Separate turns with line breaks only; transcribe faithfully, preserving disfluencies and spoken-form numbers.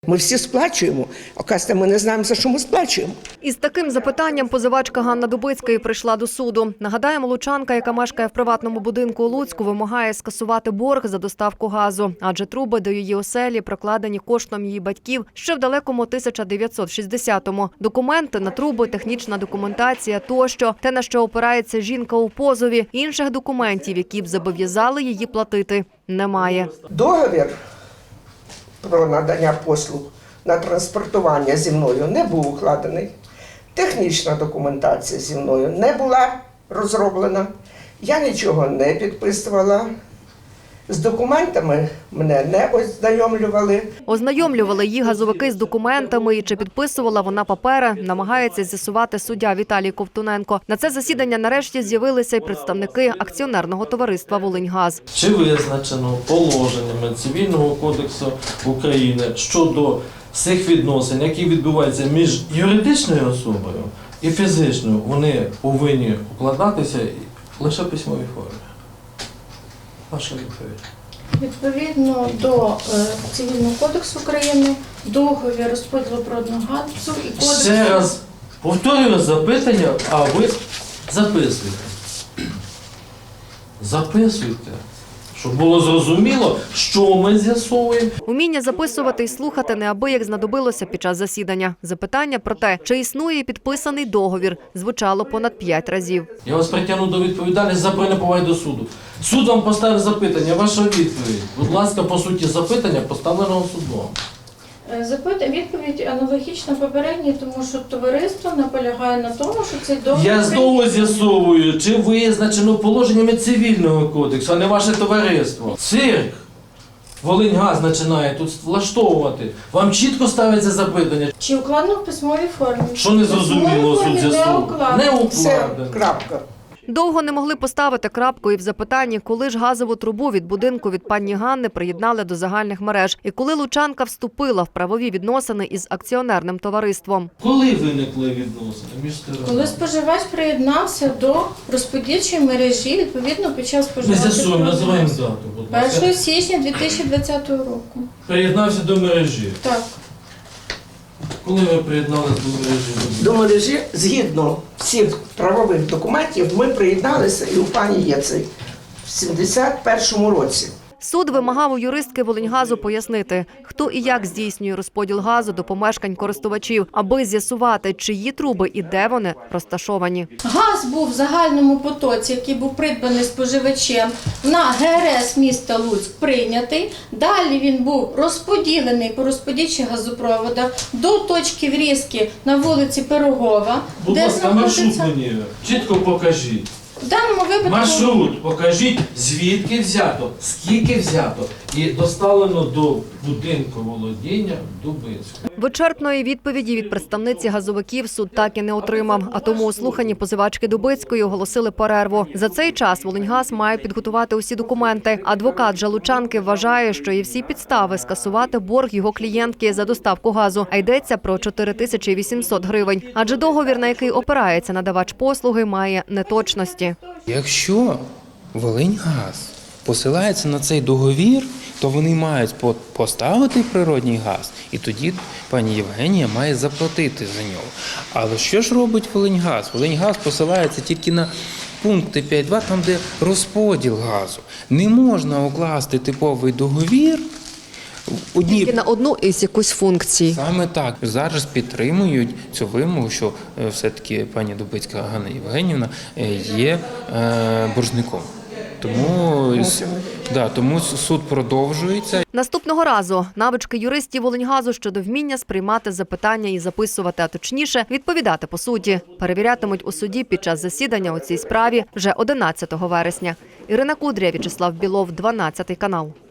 Ми всі сплачуємо, оказується, ми не знаємо, за що ми сплачуємо.
Із таким запитанням позивачка Ганна Дубицька і прийшла до суду. Нагадаємо, лучанка, яка мешкає в приватному будинку у Луцьку, вимагає скасувати борг за доставку газу, адже труби до її оселі прокладені коштом її батьків ще в далекому тисяча дев'ятсот шістдесятому. Документи на труби, технічна документація тощо. Те, на що опирається жінка у позові, інших документів, які б зобов'язали її платити, немає.
Договір про надання послуг на транспортування зі мною не був укладений. Технічна документація зі мною не була розроблена. Я нічого не підписувала. З документами мене не ознайомлювали.
Ознайомлювали її газовики з документами і чи підписувала вона папери, намагається з'ясувати суддя Віталій Ковтуненко. На це засідання нарешті з'явилися й представники акціонерного товариства «Волиньгаз».
Чи визначено положеннями Цивільного кодексу України щодо всіх відносин, які відбуваються між юридичною особою і фізичною, вони повинні укладатися лише в письмовій формі? Ваша відповідь.
Відповідно до е, Цивільного кодексу України, договір розподілу природного газу і кодексу...
Ще раз повторюю запитання, а ви записуйте. Записуйте, щоб було зрозуміло, що ми з'ясовуємо.
Уміння записувати і слухати неабияк знадобилося під час засідання. Запитання про те, чи існує підписаний договір, звучало понад п'ять разів.
Я вас притягну до відповідальності за неповагу до суду. Суд вам поставив запитання, ваша відповідь. Будь ласка, по суті запитання поставленого судом.
Запит... Відповідь аналогічна попередній, тому що товариство наполягає на тому, що цей договір...
Я знову з'ясовую, чи визначено положеннями Цивільного кодексу, а не ваше товариство. Цирк Волиньгаз починає тут влаштовувати. Вам чітко ставиться запитання.
Чи укладено в письмовій формі?
Що не зрозуміло, суд з'ясовує? Не
Все,
укладено.
крапка.
Довго не могли поставити крапку і в запитанні, коли ж газову трубу від будинку від пані Ганни приєднали до загальних мереж і коли лучанка вступила в правові відносини із акціонерним товариством.
Коли виникли відносини між сторонами?
Коли споживач приєднався до розподільчої мережі, відповідно під час
Ми
споживача...
з'ясуємо, називаємо дату, будь ласка.
першого січня дві тисячі двадцятого року.
Приєднався до мережі.
Так.
Коли ви приєдналися до мережі?
До мережі, згідно всіх правових документів, ми приєдналися і у пані Єцей в сімдесят першому році.
Суд вимагав у юристки Волиньгазу пояснити, хто і як здійснює розподіл газу до помешкань користувачів, аби з'ясувати, чиї труби і де вони розташовані.
Газ був в загальному потоці, який був придбаний споживачем на ге ер ес міста Луцьк прийнятий. Далі він був розподілений по розподільчих газопроводах до точки врізки на вулиці Пирогова,
Будь
де
ласка, маршрут
знаходиться...
мені чітко покажіть.
В даному випадку...
Маршрут покажіть, звідки взято, скільки взято і доставлено до будинку володіння Дубицького.
Вичерпної відповіді від представниці газовиків суд так і не отримав, а тому у слуханні позивачки Дубицької оголосили перерву. За цей час Волиньгаз має підготувати усі документи. Адвокат же лучанки вважає, що є всі підстави скасувати борг його клієнтки за доставку газу, а йдеться про чотири тисячі вісімсот гривень. Адже договір, на який опирається надавач послуги, має неточності.
Якщо Волиньгаз посилається на цей договір, то вони мають поставити природній газ, і тоді пані Євгенія має заплатити за нього. Але що ж робить Волиньгаз? Волиньгаз посилається тільки на пункти п'ять два, там де розподіл газу. Не можна укласти типовий договір Одні...
Тільки на одну із якусь функцій.
Саме так. Зараз підтримують цю вимогу, що все-таки пані Дубицька Ганна Євгенівна є боржником. Тому, да, тому суд продовжується.
Наступного разу навички юристів Волиньгазу щодо вміння сприймати запитання і записувати, а точніше відповідати по суті, перевірятимуть у суді під час засідання у цій справі вже одинадцятого вересня. Ірина Кудря, В'ячеслав Білов, дванадцятий канал.